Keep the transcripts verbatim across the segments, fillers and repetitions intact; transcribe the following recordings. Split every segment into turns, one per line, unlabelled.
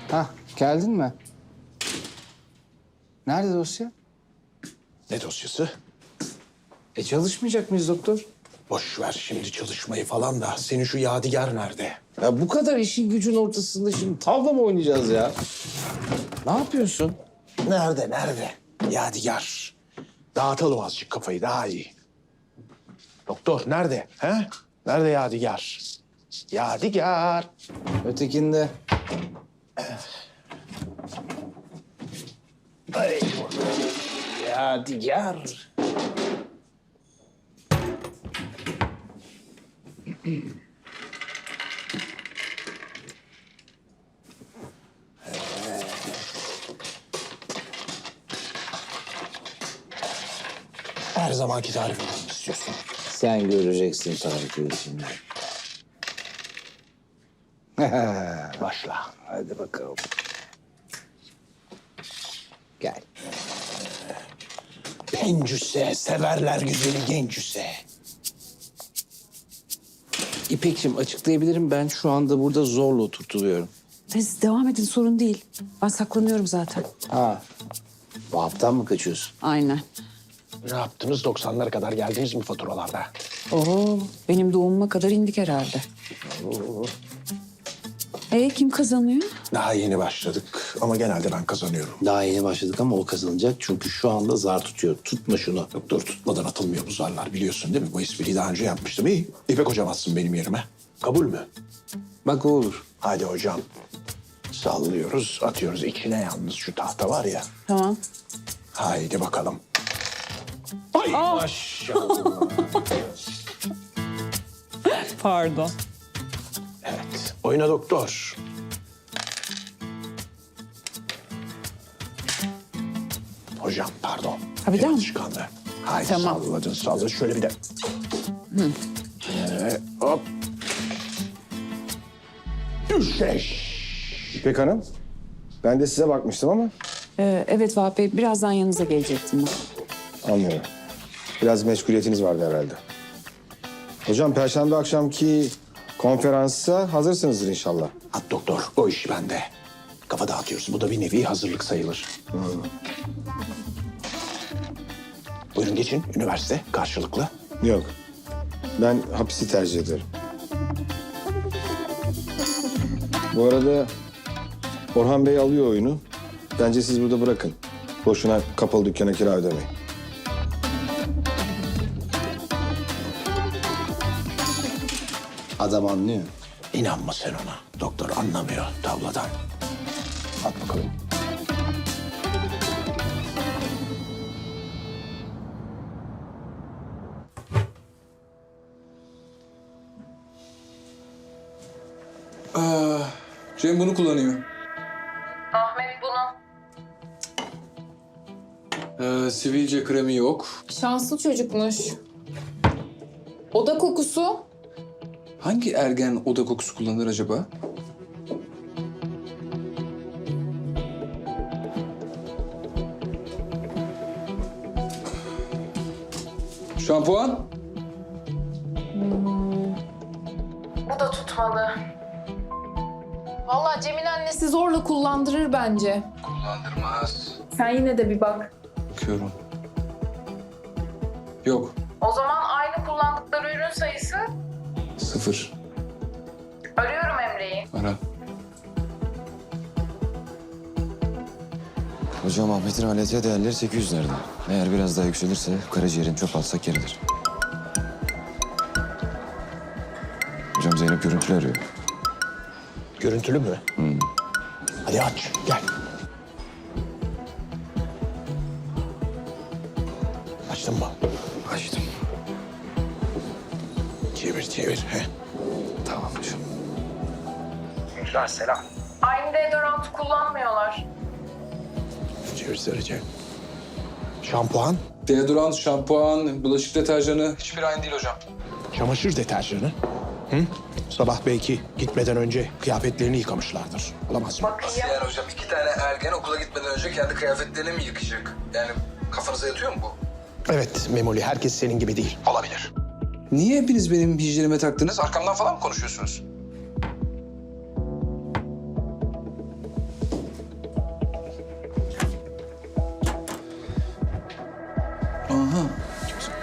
Hah, geldin mi? Nerede dosya?
Ne dosyası?
E çalışmayacak mıyız doktor?
Boş ver şimdi çalışmayı falan da. Senin şu Yadigar nerede?
Ya bu kadar işin gücün ortasında şimdi tavla mı oynayacağız ya? Ne yapıyorsun?
Nerede, nerede? Yadigar. Dağıtalım azıcık kafayı, daha iyi. Doktor, nerede? He? Nerede Yadigar? Yadigar.
Ötekinde.
Ay, Yadigar. Her zamanki tarifini istiyorsun.
Sen göreceksin tarifi şimdi.
Başla.
Hadi bakalım. Gel.
Pencüse, severler güzeli gencüse.
İpek'ciğim açıklayabilirim. Ben şu anda burada zorla oturtuluyorum.
Siz devam edin, sorun değil. Ben saklanıyorum zaten.
Ha. Vahap'tan mı kaçıyorsun?
Aynen.
Ne yaptınız? doksanlara kadar geldiniz mi faturalarda?
Oo, benim doğumuma kadar indik herhalde. E kim kazanıyor?
Daha yeni başladık ama genelde ben kazanıyorum.
Daha yeni başladık ama o kazanacak. Çünkü şu anda zar tutuyor. Tutma şunu.
Doktor tutmadan atılmıyor bu zarlar, biliyorsun değil mi? Bu espriyi daha önce yapmıştım. İyi. İpek hocam atsın benim yerime. Kabul mü?
Bak o olur.
Hadi hocam. Sallıyoruz, atıyoruz. İçine yalnız şu tahta var ya.
Tamam.
Haydi bakalım. Ay maşallah.
Pardon.
Evet. Oyna doktor. Hocam pardon.
Ha, bir daha mı?
Alışkanlığı. Haydi
Tamam.
salladın salladın. Şöyle bir de. Hı. Ee, hop. Düşeş.
İpek Hanım, ben de size bakmıştım ama
Ee, evet Vahap Bey, birazdan yanınıza gelecektim ben.
anlıyorum. Biraz meşguliyetiniz vardı herhalde. Hocam, Perşembe akşamki konferansa hazırsınızdır inşallah.
At doktor, o iş bende. Kafa dağıtıyoruz. Bu da bir nevi hazırlık sayılır.
Hmm.
Buyurun geçin. Üniversite karşılıklı.
Yok, ben hapisi tercih ederim. Bu arada Orhan Bey alıyor oyunu. Bence siz burada bırakın. Boşuna kapalı dükkana kira ödemeyin.
Adam anlıyor.
İnanma sen ona. Doktor anlamıyor tavladan. At bakalım.
Cem bunu kullanıyor.
Ahmet bunu.
Ee, sivilce kremi yok.
Şanslı çocukmuş. Oda kokusu.
Hangi ergen oda kokusu kullanır acaba? Şampuan?
Bu da tutmadı. Vallahi Cem'in annesi zorla kullandırır bence.
Kullandırmaz.
Sen yine de bir bak.
Bakıyorum. Yok.
O zaman aynı kullandıkları ürün sayısı.
Sıfır.
Arıyorum Emre'yi.
Ara.
Hocam Ahmet'in A L T değerleri sekiz yüzlerde. Eğer biraz daha yükselirse karaciğerin çöp alsak yeridir. Hocam Zeynep görüntülü arıyor.
Görüntülü mü?
Hmm.
Hadi aç, gel. Açtın mı?
Açtım.
Çevir, çevir. He.
Tamam hocam.
Güzel, selam.
Aynı deodorant kullanmıyorlar.
Çevir Sarıcı. Şampuan,
Deodorant, şampuan, bulaşık deterjanı hiçbir aynı değil hocam.
çamaşır deterjanı. Hı? Sabah belki gitmeden önce kıyafetlerini yıkamışlardır. Olamaz mı?
Nasıl yani hocam? İki tane ergen okula gitmeden önce kendi kıyafetlerini mi yıkayacak? Yani kafanıza yatıyor mu bu?
Evet Memoli, herkes senin gibi değil. Olabilir.
Niye hepiniz benim hijyenime taktınız? Arkamdan falan mı konuşuyorsunuz?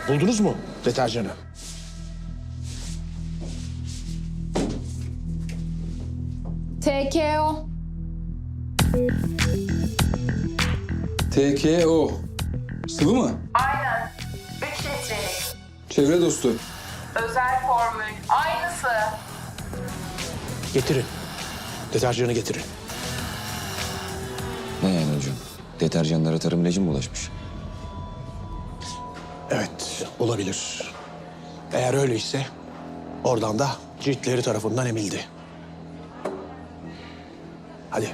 Buldunuz mu deterjanı?
T K O.
T K O. Sıvı mı?
Aynen. üç litrelik.
Çevre dostu.
Özel formül. Aynısı.
Getirin. Deterjanı getirin.
Ne yani hocam? Deterjanlara tarım ilacı mı bulaşmış?
Evet, olabilir. Eğer öyleyse oradan da ciltleri tarafından emildi. Hadi.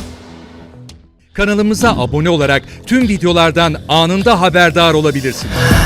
Kanalımıza abone olarak tüm videolardan anında haberdar olabilirsiniz.